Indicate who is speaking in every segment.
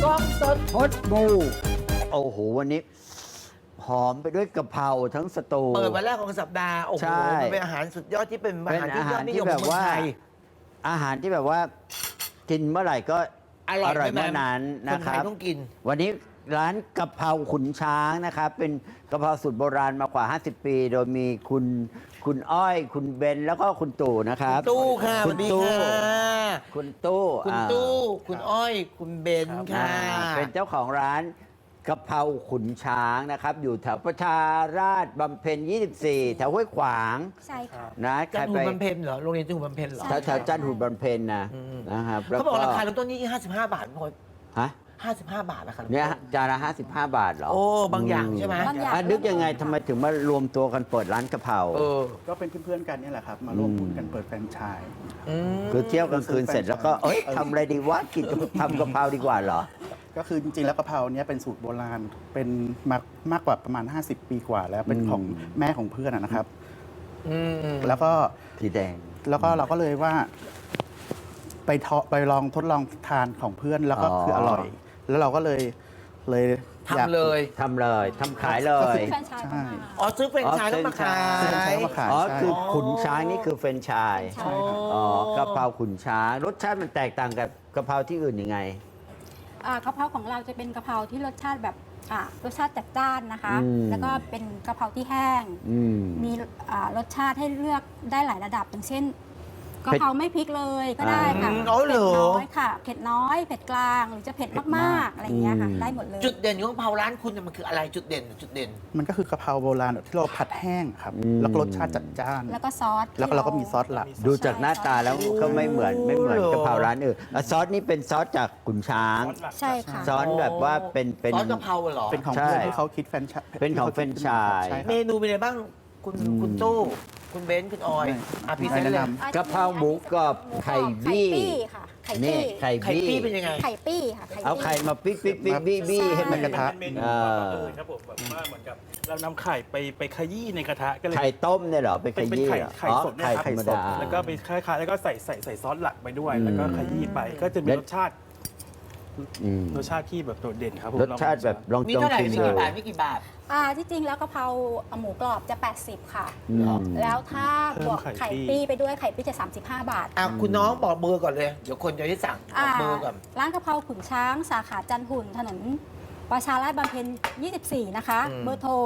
Speaker 1: กล้องสด
Speaker 2: พดบูโอ้โหวันนี้หอมไปด้วยกะเพราทั้งสตู
Speaker 1: เปิดวันแรกของสัปดาห์ โอ้โห
Speaker 2: ใช่
Speaker 1: มันเป็นอาหารสุดยอดที่เป็นอา
Speaker 2: เป็น
Speaker 1: หาร
Speaker 2: อา
Speaker 1: ที่ย
Speaker 2: หา
Speaker 1: อ
Speaker 2: ร
Speaker 1: ดนิย
Speaker 2: ที่
Speaker 1: ม
Speaker 2: แบ
Speaker 1: ของ
Speaker 2: บ
Speaker 1: เมือง
Speaker 2: ว่า
Speaker 1: ไทย
Speaker 2: อาหารที่แบบว่ากินเมื่อไหร่ก็
Speaker 1: อร่อย
Speaker 2: เมื่อนั้น
Speaker 1: ค
Speaker 2: นะ
Speaker 1: น
Speaker 2: ค
Speaker 1: ไทย
Speaker 2: รับ
Speaker 1: ต้องกิน
Speaker 2: วันนี้ร้านกะเพราขุนช้างนะครับ เป็นกะเพราสูตรโบราณมากว่า 50 ปี โดยมีคุณอ้อย คุณเบนแล้วก็คุณตู่นะครับ
Speaker 1: ตู้ค่ะส
Speaker 2: คุ
Speaker 1: วั
Speaker 2: ณ
Speaker 1: สดี
Speaker 2: ตู้
Speaker 1: ค่ะ
Speaker 2: คุณตู้
Speaker 1: คุณ
Speaker 2: อ่า
Speaker 1: ตู้ คุณอ้อย คุณเบนค่ะ
Speaker 2: เป็นเจ้าของร้านกะเพราขุนช้างนะครับ อยู่แถวประชาราษฎร์บำเพ็ญ 24 แถวห้วยขวาง
Speaker 3: ใช่ค่ะ
Speaker 2: นะใค
Speaker 1: จั
Speaker 2: ร
Speaker 1: นท
Speaker 2: ไป
Speaker 1: ร์บำเพ็ญเหรอ โรงเรียนจันทร์บำเพ็ญเหรอ
Speaker 3: ใช่
Speaker 2: แถวจันทร์หุนบำเพ็ญนะครับแล้ว
Speaker 1: เขาบอกราคาเริ่มต้นที่55 บาทพอ
Speaker 2: ฮะ
Speaker 1: 55 บาทนะคะ
Speaker 2: เนี่ยจานละ55 บาทเหรอ
Speaker 1: โอ้ บางอย่างใช่ไหม
Speaker 3: บางอย่าง
Speaker 2: นึกยังไงทำไมถึงมารวมตัวกันเปิดร้านกะเพรา
Speaker 1: เออ
Speaker 4: ก็เป็นเพื่อนๆกันเนี่ยแหละครับ มาร่วมทุนกันเปิดแฟรนไชส์
Speaker 1: อืม
Speaker 2: คือเที่ยวกลางคืนเสร็จแล้วก็เอ้ยทำอะไรดีวะกินทำกะเพราดีกว่าเหรอ
Speaker 4: ก็คือจริงๆแล้วกะเพราเนี่ยเป็นสูตรโบราณเป็นมากกว่าประมาณ 50 ปีกว่าแล้วเป็นของแม่ของเพื่อนนะครับ
Speaker 1: อืม
Speaker 4: แล้วก็
Speaker 2: สีแดง
Speaker 4: เราก็เลยว่าไปลองทดลองทานของเพื่อนแล้วก็
Speaker 2: อ๋อ
Speaker 4: คืออร่อย แล้วเราก็เลยอยาก
Speaker 1: ทำเลย
Speaker 2: ทำเลยทำขายเลย
Speaker 3: แฟรนไชส์เข้ามา
Speaker 1: อ๋อ ซื้อแฟรนไชส์แล้วมาขาย
Speaker 4: แฟรนไชส์มาขาย
Speaker 2: อ๋อ
Speaker 4: ใช่
Speaker 2: คือขุนช้างนี่คือเฟรนไชาย
Speaker 3: ใช่ค่ะ
Speaker 2: อ๋อกะเพราขุนช้างรสชาติมันแตกต่างกับกะเพราที่อื่นยังไง
Speaker 3: กะเพราของเราจะเป็นกะเพราที่รสชาติแบบรสชาติจัดจ้านนะคะ
Speaker 2: อืม
Speaker 3: แล้วก็เป็นกะเพราที่แห้ง
Speaker 2: อืม
Speaker 3: มีรสชาติให้เลือกได้หลายระดับอย่างเช่นกะเพราไม่พริกเลยก็ได้ค่ะ
Speaker 1: อ๋อเหรอ
Speaker 3: เผ็ดน้อยค่ะเผ็ดน้อยเผ็ดกลางหรือจะเผ็ดมากๆอะไรอย่างเงี้ยค่ะได้หมดเลย
Speaker 1: จุดเด่นของกะเพราร้านคุณเนี่ยมันคืออะไรจุดเด่นจุดเด่น
Speaker 4: มันก็คือกะเพราโบราณแบบที่เราผัดแห้งครับ
Speaker 2: อืม
Speaker 4: แล้วก็รสชาติจัดจ้าน
Speaker 3: แล้วก็ซอส
Speaker 4: แล้วก็เราก็มีซอสหลัก
Speaker 2: ดูจากหน้าตาแล้วก็ไม่เหมือนกะเพราร้านอื่นซอสนี่เป็นซอสจากขุนช้าง
Speaker 3: ใช่ค่ะ
Speaker 2: ซอสแบบว่าเป็น
Speaker 1: ซอสกะเพราเหรอ
Speaker 4: เป็นของ
Speaker 2: ใช่
Speaker 4: เพื่อนที่เขาคิดแฟรนไชส์
Speaker 2: เป็นของแฟรนไชส์
Speaker 4: ใช่ค
Speaker 1: เม
Speaker 4: รับ
Speaker 1: นูเป็นไงบ้างคุณตู้ คุณเบนซ์คุณออยพรีเซนต์เลย
Speaker 4: แนะน
Speaker 2: กะเพราหมูกรอบไข่บี้
Speaker 3: ไข่ปี้ค่ะไข่
Speaker 2: นี่
Speaker 3: ปี้
Speaker 2: ไข่
Speaker 1: ไข่
Speaker 2: บี้
Speaker 1: ปี้เป็นยังไง
Speaker 3: ไข่ปี้ค่ะไข่
Speaker 2: เอา
Speaker 3: ปี้
Speaker 2: ไข่มาปิ๊กปิ๊กปิ๊กบี้บี้ให้มัน
Speaker 4: กระทะ
Speaker 5: เป็นเมนูแบบอื่นครับผมแบบว่าเหมือนกับเรานำไข่ไปขยี้ในกระทะก็เลย
Speaker 2: ไข่ต้มเนี่ยเหรอไปข
Speaker 5: เป็น
Speaker 2: ยี้
Speaker 5: ไข่
Speaker 2: เหรอ
Speaker 5: ไข่
Speaker 2: อ๋อ
Speaker 5: สดเนี่ย
Speaker 2: ไข่
Speaker 5: ครับ
Speaker 2: ธรรมดา
Speaker 5: แล้วก็ไปคล้ายๆแล้วก็ใส่ซอสหลักไปด้วย
Speaker 2: อืม
Speaker 5: แล้วก็ขยี้ไปก็จะมี
Speaker 2: แล้ว
Speaker 5: รสชาติ
Speaker 2: อืม
Speaker 5: รสชาติที่แบบโดดเด่นครับผม
Speaker 2: รสชาติแบบลอง
Speaker 1: มี
Speaker 2: จอง
Speaker 1: เท่าไหร่
Speaker 2: ชิม
Speaker 1: มี
Speaker 2: ดู
Speaker 1: กี่บาทมีกี่บาท
Speaker 3: ที่จริงแล้วกะเพราหมูกรอบจะ 80 ค่ะ
Speaker 2: อืม
Speaker 3: แล้วถ้าบวกไข่ปี้ไปด้วยไข่ปี้จะ 35 บาท
Speaker 1: คุณน้องบอกเบอร์ก่อนเลย เดี๋ยวคนจะได้สั่งบอกเบอร์ก่อน
Speaker 3: ร้านกะเพราขุนช้างสาขาจันทหุ่นถนนประชาราษฎร์บำเพ็ญ 24 นะคะ เบอร์โทร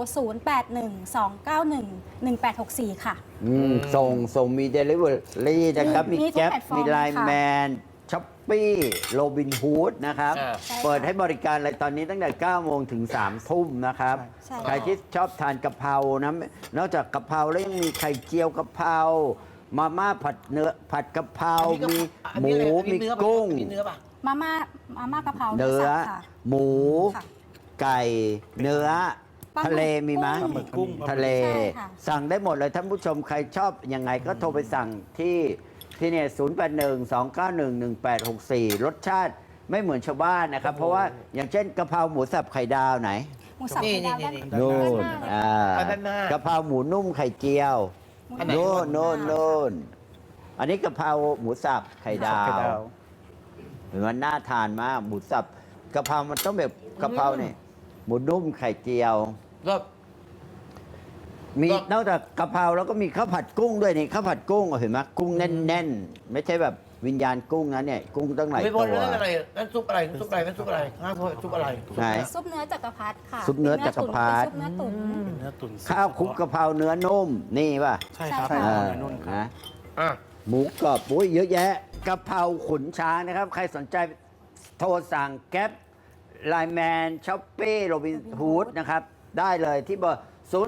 Speaker 3: 0812911864 ค่ะ
Speaker 2: ส่งมีเดลิเวอรี่นะครับ
Speaker 3: มี
Speaker 2: มี
Speaker 3: ทุก
Speaker 2: แก๊ป
Speaker 3: แพลตฟอร์ม
Speaker 2: มีไลน์
Speaker 3: ค่ะ
Speaker 2: แมนช้อปปี้โรบินฮูดนะครับ
Speaker 1: อ่า
Speaker 3: ใช่ค่ะ
Speaker 2: เปิดให้บริการเลยตอนนี้ตั้งแต่ 9 โมงถึง 3 ทุ่มนะครับ
Speaker 3: ใช่
Speaker 2: ใครที่ชอบทานกะเพรานะนอกจากกะเพราแล้วยังมีไข่เจียวกะเพรามาม่าผัดเนื้อผัดกะเพรา มีหมู มีกุ้ง
Speaker 1: มีเนื้อป่ะ
Speaker 3: มาม่ากะเพรา
Speaker 2: เนื้อ
Speaker 3: สับค่ะ
Speaker 2: หมู
Speaker 3: ค่ะ
Speaker 2: ไก่ เนื้อ
Speaker 3: ปลาหมึก
Speaker 2: ทะเลมีไหม
Speaker 3: กุ้ง
Speaker 5: หมึกกุ้ง
Speaker 2: ทะเล
Speaker 3: ใช่ค่ะ
Speaker 2: สั่งได้หมดเลยท่านผู้ชมใครชอบยังไงก็โทรไปสั่งที่เนี่ย0812911864 รสชาติไม่เหมือนชาวบ้านนะครับ เพราะว่าอย่างเช่นกะเพราหมูสับไข่ดาวไหน
Speaker 3: หมูสับ
Speaker 1: นี่
Speaker 3: ไข่ดาว
Speaker 1: นี่
Speaker 3: ด้าน
Speaker 2: นู่น
Speaker 1: ด้านหน้า
Speaker 2: กะเพราหมูนุ่มไข่เจียว
Speaker 1: อันไหน
Speaker 2: นู่นอันนี้กะเพราหมูสับไข่ดา
Speaker 4: ไข่ดาว ว
Speaker 2: เห็นมันน่าทานมากหมูสับกะเพรามันต้องแบบกะเพราเนี่ยหมูนุ่มไข่เจียว
Speaker 1: ก็
Speaker 2: มี
Speaker 1: ก็
Speaker 2: นอกจากกะเพราแล้วก็มีข้าวผัดกุ้งด้วยนี่ข้าวผัดกุ้งเห็นไหมกุ้งแน่นๆ ไม่ใช่แบบวิญญาณกุ้งนะเนี่ยกุ้งตั้งหลาย
Speaker 1: ไม่บ
Speaker 2: ตั
Speaker 1: น
Speaker 2: ว
Speaker 1: นั่นอะไรนั่นซุปอะไรนั่นซุปอะไรนั่นซุปอะไรข้าวซุปอะไร
Speaker 2: ไหน
Speaker 3: ซุปเนื้อจักรพรรดิค่ะ
Speaker 2: ซุปเนื้อจักรพรรดิ
Speaker 3: เป็นซุปเนื้อตุ๋น
Speaker 5: เนื้อตุ๋น
Speaker 2: ข้าวคลุกกะเพราเนื้อนุ่มนี่ป่ะ
Speaker 5: ใช่ครับ
Speaker 3: ใช่ค่ะ
Speaker 5: เนื้อนุ่นครับ
Speaker 2: นะ
Speaker 1: อ่ะ
Speaker 2: หมูกรอบอุ้ยเยอะแยะกะเพราขุนช้างนะครับ ใครสนใจโทรสั่งแก๊ปไลน์แมนช้อปปี้โรบินฮูดนะครับ ได้เลยที่เบอร์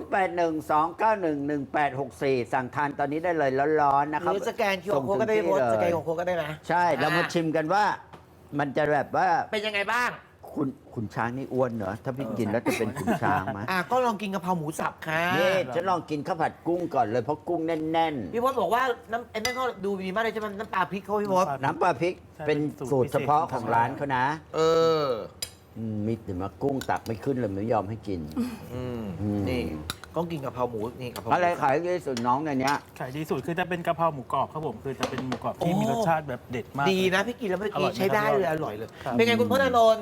Speaker 2: 0812911864 สั่งทานตอนนี้ได้เลยร้อนๆนะ
Speaker 1: ห
Speaker 2: ครับ
Speaker 1: รือสแกน QR
Speaker 2: ส่ง
Speaker 1: โค้ด
Speaker 2: ถึ
Speaker 1: ก็
Speaker 2: ง
Speaker 1: ได้
Speaker 2: ที่
Speaker 1: โพส
Speaker 2: เลย
Speaker 1: สแกนของโค้ดก็ได้นะ
Speaker 2: ใช่เรามาชิมกันว่า มันจะแบบว่า
Speaker 1: เป็นยังไงบ้าง
Speaker 2: ขุนช้างนี่อ้วนเหรอ ถ้าพี่กินแล้วจะเป็นขุนช้างไหม
Speaker 1: ก็ลองกินกะเพราหมูสับค่ะ
Speaker 2: นี่ฉันลองกินข้าวผัดกุ้งก่อนเลยเพราะกุ้งแน่น
Speaker 1: พี่พศบอกว่าน้ำไอ้นั่นเขาดูดีมากเลยใช่ไหมน้ำปลาพริกเขาพี่พศ
Speaker 2: ๆ น้ำปลาพริก
Speaker 5: ใช่
Speaker 2: เป็น
Speaker 5: เป็นสู
Speaker 2: สูต
Speaker 5: ต
Speaker 2: ร
Speaker 5: ร
Speaker 2: เฉพาะ
Speaker 5: พิเศษ
Speaker 2: ของร้านเขานะ
Speaker 1: เออ
Speaker 2: มีแต่มากุ้งตักไม่ขึ้นเลยไม่ยอมให้กิน
Speaker 1: อืม
Speaker 2: อืม
Speaker 1: นี่ต้องกินกะเพราหมูนี่กะเพราหมู
Speaker 2: อะไรขายดีที่สุดน้องในเนี้ย
Speaker 5: ขายดีสุดคือจะเป็นกะเพราหมูกรอบครับผมคือจะเป็นหมูกรอบที่มีรสชาติแบบเด็ดมาก
Speaker 1: ดีนะพี่กินแล้วเมื่อ
Speaker 5: อร่
Speaker 1: กี้
Speaker 5: อยไหม
Speaker 1: ใช้ได้
Speaker 5: ครับ
Speaker 1: เลยอร่อยเลย
Speaker 5: ครับ
Speaker 1: เป็นไงคุณพจน์อานนท์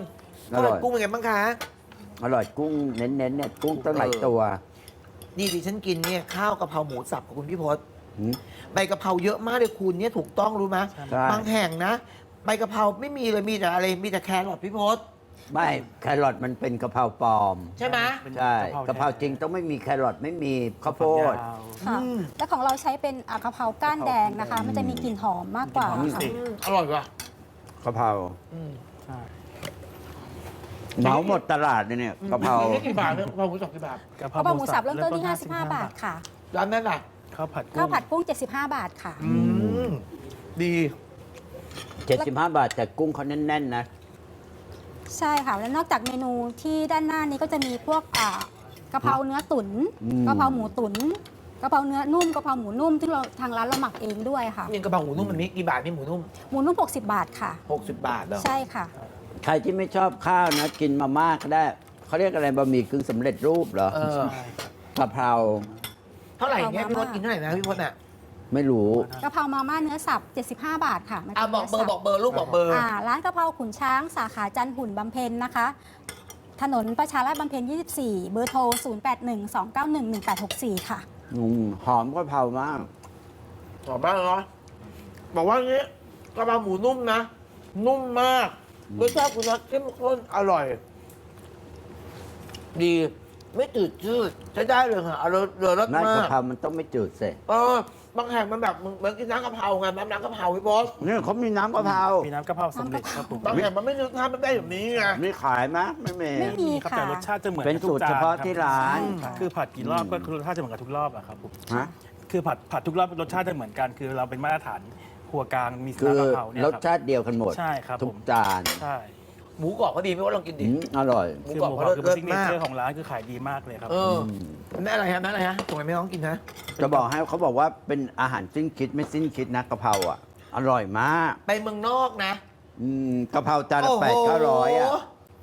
Speaker 2: อร่อย
Speaker 1: กุ้งเป็นไงบ้างคะ
Speaker 2: อร่อยกุ้งเน้นๆเนี่ยกุ้งตั้งหลายตัว
Speaker 1: นี่ดิฉันกินเนี่ยข้าวกะเพราหมูสับของคุณพี่พศ
Speaker 2: หืม
Speaker 1: ใบกะเพราเยอะมากเลยคุณเนี่ยถูกต้องรู้ไหม
Speaker 2: ใช่
Speaker 1: บางแห่งนะใบกะเพราไม่มีเลยมีแต่อะไรมีแต่แครอทพี่พศ
Speaker 2: ไม่แครอทมันเป็นกะเพราปลอม
Speaker 1: ใช่ไหม
Speaker 2: ใช่กะเพราจริงต้องไม่มีแครอทไม่มีข้าวโพด
Speaker 3: ค่ะ และของเราใช้เป็นกะเพราก้านแดงนะคะ มันจะมีกลิ่นหอมมากกว่า
Speaker 5: อืม
Speaker 3: ค่ะ
Speaker 1: อร่อยว่ะ
Speaker 2: กะเพรา
Speaker 5: ใช่
Speaker 2: เหมาหมดตลาดเลยเนี่ยกะเพรา
Speaker 1: นี่กี่บาทเนี่ยกะเพราหมูสับกี่บาท
Speaker 5: กะเพ
Speaker 3: กะเพราหมูสับ
Speaker 5: เริ่
Speaker 3: เริ่มต้นที่ 55 บาทค่ะ
Speaker 1: ร้านนั้นล่ะ
Speaker 5: ข้าวผัด
Speaker 3: ข้าวผัดกุ้ง 75 บาทค่ะ
Speaker 1: ดี
Speaker 2: 75 บาทแต่กุ้งเขาแน่นๆนะ
Speaker 3: ใช่ค่ะ แล้วนอกจากเมนูที่ด้านหน้านี้ก็จะมีพวกกะเพราเนื้อตุ๋น
Speaker 2: อืม
Speaker 3: กะเพราหมูตุ๋นกะเพราเนื้อนุ่มกะเพราหมูนุ่มที่เราทางร้านเราหมักเองด้วยค่ะ
Speaker 1: นี่กะเพราหมูนุ่มมันมีกี่บาทนี่หมูนุ่ม
Speaker 3: หมูนุ่ม 60 บาทค่ะ
Speaker 1: 60 บาทเหรอ
Speaker 3: ใช่ค่ะ
Speaker 2: ใครที่ไม่ชอบข้าวนะ กินมาม่าก็ได้เขาเรียกอะไรบะหมี่กึ่งสำเร็จรูปเหรอ
Speaker 1: เออ
Speaker 5: ใช่ครับ
Speaker 2: กะเพรา
Speaker 1: เท่าไหร่เนี่ย
Speaker 3: เอา
Speaker 1: พี่พ
Speaker 3: มา
Speaker 1: ศกินเท่าไหร่นะพี่พศอ่ะ
Speaker 2: ไม่รู้
Speaker 3: กะเพรามาม่าเนื้อสับ 75 บาทค่ะมันป็น
Speaker 1: บอกเบอร์
Speaker 3: นื้
Speaker 1: บอกเบอร์ลูกบอกเบอร์
Speaker 3: ร้านกะเพราขุนช้างสาขาจันทร์หุ่นบำเพ็ญนะคะ ถนนประชาราษฎร์บำเพ็ญ 24 เบอร์โทร 0812911864 ค่ะ
Speaker 2: หอมกะเพรามาก
Speaker 1: หอมมากเลยเนาะบอกว่าอย่างนี้กะเพราหมูนุ่มนะ นุ่มมากรสชาติคุณน็อตเข้มข้นอร่อย ดีไม่จืดชืดใช้ได้เลยค่ะอร่อยรส
Speaker 2: นั่น
Speaker 1: มาก
Speaker 2: ะเพรามันต้องไม่จืดเสร็จ
Speaker 1: บางแห่งมันแบบเหมือนกินน้ำกะเพราไงน้ำกะเพราพี่บอส
Speaker 2: นี่เขามีน้ำกะเพรา
Speaker 5: มีน้ำกะเพราสำเร็จครับผม
Speaker 1: บางแห่งมันไม่นึกภาพมันได้แบบนี้ไง
Speaker 2: มีขายไหมไม่มี
Speaker 3: ไม่มี
Speaker 5: ครับ
Speaker 3: ค่ะ
Speaker 5: แต่รสชาติจะเหมือน
Speaker 2: เป็น
Speaker 5: กับทุก
Speaker 2: สูตรเฉพาะ
Speaker 5: จนคบ
Speaker 2: ที่ร้าน
Speaker 5: คือผัดกี่รอบก็คือรสชาติจะเหมือนกับทุกรอบอะครับผม
Speaker 2: ฮะ
Speaker 5: คือผัดทุกรอบรสชาติจะเหมือนกัน คือเราเป็นมาตรฐานครัวกลางมี
Speaker 2: คือ
Speaker 5: น้ำกะเพราเนี่ย
Speaker 2: ร
Speaker 5: ค
Speaker 2: ส
Speaker 5: รับ
Speaker 2: ชาติเดียวกันหมด
Speaker 5: ใช่ครับ
Speaker 2: ทุ
Speaker 5: ผ
Speaker 2: ก
Speaker 5: ม
Speaker 2: จาน
Speaker 5: ใช่
Speaker 1: หมูกรอบก็ดีพี่ว่าลองกินดิ
Speaker 2: อร่อย
Speaker 1: หมู
Speaker 5: คือก
Speaker 1: รอบ
Speaker 5: หมู
Speaker 1: เขา
Speaker 5: กรอบคือ
Speaker 1: เลิ
Speaker 5: เป็น
Speaker 1: ศ
Speaker 5: ซิกเน
Speaker 1: มาก
Speaker 5: เจอร์ของร้านคือขายดีมากเลยครับ
Speaker 1: แม่อะไรฮะแม่อะไรฮะส่งให้แม่น้องกินนะ
Speaker 2: จะบอกให้เขาบอกว่าเป็นอาหารสิ้นคิดไม่สิ้นคิดนะกะเพราอ่ะ อร่อยมาก
Speaker 1: ไปเมืองนอกนะ
Speaker 2: กะเพราจานละ
Speaker 1: โอ้โห
Speaker 2: 800-900อ่ะ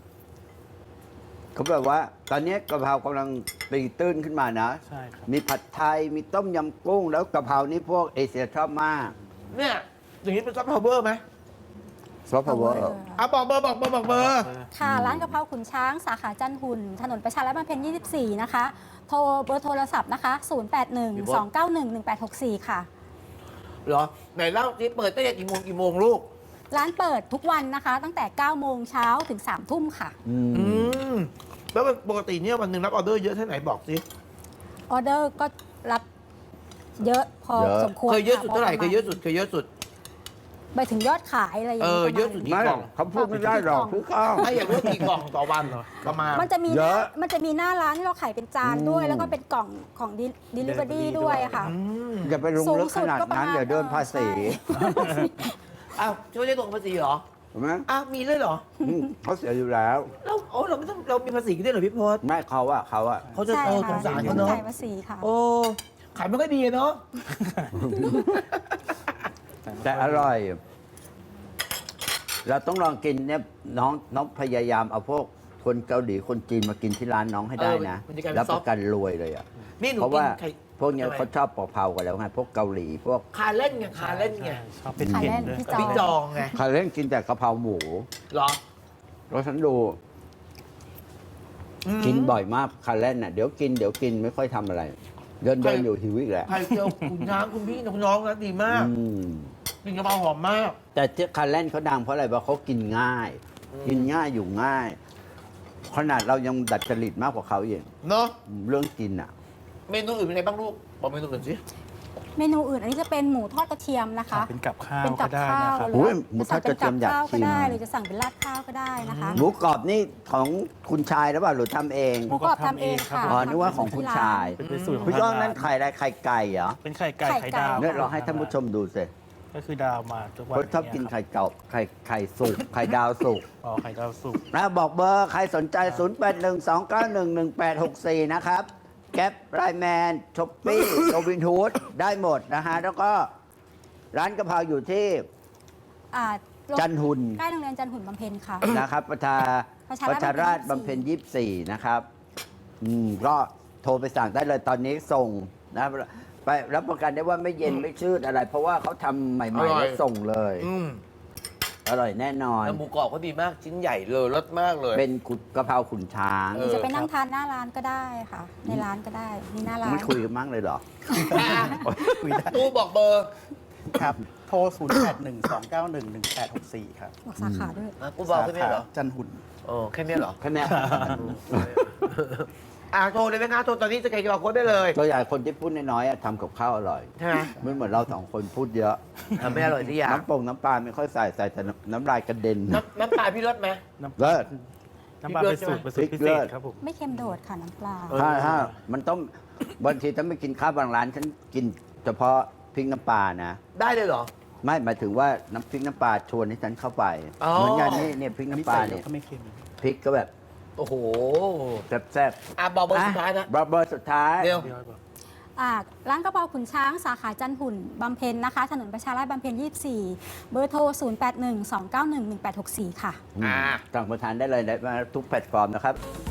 Speaker 2: เขาแบบว่า ตอนนี้กะเพรากำลังตีตื้นขึ้นมานะ
Speaker 5: ใช่ครับ
Speaker 2: มีผัดไทยมีต้มยำกุ้ง แล้วกะเพรานี่พวกเอเชียชอบมาก
Speaker 1: เนี่ยอย่างนี้เป็นซอฟต์พาวเวอร์ไหม
Speaker 2: ซอฟต์พาวเวอร์
Speaker 1: บอกเบอร์บอกเบอร์บอกเบอร์
Speaker 3: ค่ะ ร้านกะเพราขุนช้างสาขาจันทร์หุ่น ถนนประชาราษฎร์บำเพ็ญ 24 นะคะ โทรเบอร์โทรศัพท์นะคะ 0812911864 ค่ะ
Speaker 1: เหรอไหนเล่าที่เปิดตั้งแต่กี่โมงลูก
Speaker 3: ร้านเปิดทุกวันนะคะ ตั้งแต่ 9 โมงเช้าถึง 3 ทุ่มค่ะ
Speaker 1: มแล้วปกติเนี่ยวันหนึ่งรับออเดอร์เยอะแค่ไหนบอกสิ
Speaker 3: ออเดอร์ก็รับเยอะพอ
Speaker 2: เยอะ
Speaker 3: สมควร
Speaker 1: เคยเยอะสุดเท่าไหร่
Speaker 3: พ
Speaker 1: เคยเยอะสุดเคยเยอะสุด
Speaker 3: ไปถึงยอดขายอะไรอย่าง
Speaker 1: เยอะสุด
Speaker 3: ประมาณ
Speaker 1: กี่กล่อง
Speaker 2: เขาพูดไม่ได้หรอกคือข้าว
Speaker 1: ถ้าอยากรู้กี่กล่องต่อวันเหรอประมาณ
Speaker 3: มันจะมี
Speaker 2: เยอะ
Speaker 3: มันจะมีหน้าร้านที่เราขายเป็นจานด้วย แล้วก็เป็นกล่องของ delivery ด้วยค่ะ
Speaker 2: อย่าไปลงลึกขนาดนั้นเดี๋ยวโดนภาษี
Speaker 1: อ้าวช่วยได้ตรงภาษีเหรอ
Speaker 2: เห็นไหม
Speaker 1: อ้าวมีเลยเหรอ
Speaker 2: เขาเสียอยู่แล้ว
Speaker 1: เราไม่ต้องเรามีภาษีกันด้วยเหรอพี่พศ
Speaker 2: ไม่เขาอะ
Speaker 1: เขาจะ
Speaker 3: ใช่
Speaker 1: ส
Speaker 3: ค่ะ
Speaker 1: งสาร
Speaker 3: ต้
Speaker 1: เขา
Speaker 3: อง
Speaker 1: เนาะ
Speaker 3: จ่ายภาษีค่ะ
Speaker 1: โอ้ขายไม่ค่อยดีเนาะ
Speaker 2: แต่อร่อย เราต้องลองกินเนี่ยน้องพยายามเอาพวกคนเกาหลีคนจีนมากินที่ร้านน้องให้ได้นะ
Speaker 1: มันจะกลายเป็น
Speaker 2: แล้วประกันรวยเลยอะ
Speaker 1: นี่หนู
Speaker 2: เพราะ
Speaker 1: กิ
Speaker 2: ว่าน
Speaker 1: ไข่
Speaker 2: พวกเนี้ยเขาชอบเผาๆกันแล้วไงพวกเกาหลีพวก
Speaker 1: คาเล่นไงคาเล่นไง
Speaker 5: ชอบเป็น
Speaker 3: ขาย
Speaker 5: เผ็ด
Speaker 3: เล่น
Speaker 5: ด้วย
Speaker 3: พี่
Speaker 1: กับพี่จองไง
Speaker 2: ใครเล่นกินแต่กะเพราหมู
Speaker 1: เหรอ
Speaker 2: แล้วฉันดู กินบ่อยมากคาเล่นน่ะเดี๋ยวกินไม่ค่อยทำอะไร เดินอยู่หิวอีกแล้ว
Speaker 1: ไข่เจียวคุณช้างคุณพี่คุณน้องนะดีมาก
Speaker 2: อืม
Speaker 1: กินกะเพราหอมมาก
Speaker 2: แต่ที่คาเล่นเขาดังเพราะอะไรเพราะเขากินง่าย กินง่ายอยู่ง่าย ขนาดเรายังดัดจริตมากกว่าเขาเอง
Speaker 1: เนาะ
Speaker 2: เรื่องกินอ่ะ
Speaker 1: เมนูอื่นเป็นไงบ้างลูกบอกเมนูอื่นสิ
Speaker 3: เมนูอื่นอันนี้จะเป็นหมูทอดกระเทียมนะคะ
Speaker 5: เป็นกับข้าว
Speaker 3: เป็นกั
Speaker 5: ก็
Speaker 3: บ
Speaker 5: ได้
Speaker 3: ข้า
Speaker 5: นะ
Speaker 3: ว
Speaker 5: ครับ
Speaker 3: ห
Speaker 2: โอ้
Speaker 3: รื
Speaker 2: ยหมูทอดกระเทียมอยาก
Speaker 3: สั่งเป็นกับข้าวก็
Speaker 2: ชิม
Speaker 3: ได้หรือจะสั่งเป็นราดข้าวก็ได้นะคะ
Speaker 2: หมูกรอบนี่ของคุณชายหรือเปล่าหรือทำเอง
Speaker 3: หมูกรอบทำเองค่ะ
Speaker 2: อ๋อนึกว่าของคุณชาย
Speaker 5: เป็นสูตรของ
Speaker 2: พี่ก้อง
Speaker 5: ทาง
Speaker 2: นั้น
Speaker 5: ร้าน
Speaker 2: ไข่อะไรไข่ไก่เหรอ
Speaker 5: เป็นไข่ไก่
Speaker 3: ไข่
Speaker 5: ไข่
Speaker 3: ไก่
Speaker 5: ดาว
Speaker 2: เนี่ยเราให้ท่านผู้ชมดูสิ
Speaker 5: ก็คือดาวมาทุกวัน
Speaker 2: เขาชอบกิน
Speaker 5: เยครับ
Speaker 2: ไข่เก่าไข่สุกไข่ดาวสุก
Speaker 5: อ๋อไข่ดาวสุก
Speaker 2: นะบอกเบอร์ใครสนใจ 0812911864 นะครับ แก๊ปไลแมนช็อปปี้โรบินฮูดได้หมดนะฮะ แล้วก็ร้านกะเพราอยู่ที่
Speaker 3: อ่า
Speaker 2: จันทร์หุ่น
Speaker 3: ใกล้โรงเรียนจันทร์หุ่นบำเพ็ญค่ะ
Speaker 2: นะครับประชา
Speaker 3: ประชา
Speaker 2: ประชาราช
Speaker 3: ราษฎร์
Speaker 2: บำเพ็ญ24 นะครับก็โทรไปสั่งได้เลยตอนนี้ส่งนะไปรับประกันได้ว่าไม่เย็นไม่ชืดอะไร เพราะว่าเขาทำใหม่ๆแล้วส่งเลย
Speaker 1: อืม
Speaker 2: อร่อยแน่นอน
Speaker 1: แล้วหมูกรอบก็ดีมากชิ้นใหญ่เลยรสมากเลย
Speaker 2: เป็นกะเพราขุนช้าง
Speaker 1: เอ
Speaker 3: ห
Speaker 1: อ
Speaker 3: รือจะไปนั่งทานหน้าร้านก็ได้ค่ะ ในร้านก็ได้มีหน้าร้าน
Speaker 2: ไม่คุยกันมั้งเลยเหรอ
Speaker 4: คุยได้
Speaker 1: ตู้บอกเบอร์
Speaker 4: ครับ โทร 0812911864 ครับ
Speaker 3: บอกสาขาด้วย
Speaker 1: อ่ะกูบอกแค่นี้เหรอ
Speaker 4: สาขาจันหุ่น
Speaker 1: โอ้แค่นี้เหรอ
Speaker 2: แค่เนี้ย
Speaker 1: โทรเลยไหมคะโทรตอนนี้จะเกย์โค้ดได้เลย
Speaker 2: ตัวใหญ่คนที่พูดน้อยๆอะทำกับข้าวอร่อย
Speaker 1: ใช่ไหม
Speaker 2: ไม่เหมือนเราสองคนพูดเยอะ
Speaker 1: ทำไม่อร่อยที่อยาก
Speaker 2: น้ำปลาไม่ค่อยใส่แต่น้ำลายกระเด็น
Speaker 1: น้ำตาลพี่รสไหม
Speaker 2: เลิศ
Speaker 5: น้ำปลาเป็นสูตรพิ
Speaker 2: พริก
Speaker 5: เศ
Speaker 2: เลิ
Speaker 5: ษ
Speaker 2: ศ
Speaker 5: ครับผม
Speaker 3: ไม่เค็มโดดค่ะน้ำปลา
Speaker 2: ถ้ามันต้องบางทีถ้าไม่กินข้าวบางร้านฉันกินเฉพาะพริกน้ำปลานะ
Speaker 1: ได้เลยเหรอ
Speaker 2: ไม่หมายถึงว่าน้ำพริกน้ำปลาชวนให้ฉันเข้าไป
Speaker 1: อ๋อ
Speaker 2: เหมือนกันนี่เนี่ยพริก
Speaker 4: อันนี้
Speaker 2: น้ำปลา
Speaker 4: ใส่
Speaker 2: เนี่ย
Speaker 4: ก็ไม่เค็ม
Speaker 2: พริกก็แบบ
Speaker 1: โอ้โห
Speaker 2: แซ่บ
Speaker 1: บอก
Speaker 2: ๆ
Speaker 1: เบอร์สุดท้ายนะ
Speaker 2: เบอร์สุดท้าย
Speaker 1: เร็ว
Speaker 3: ร้านกะเพราขุนช้างสาขาจันหุ่นบำเพ็ญนะคะ ถนนประชาราษฎร์บำเพ็ญ 24 เบอร์โทร 0812911864 ค่ะ
Speaker 2: สั่งมาทานได้เลยนะทุกแพลตฟอร์มนะครับ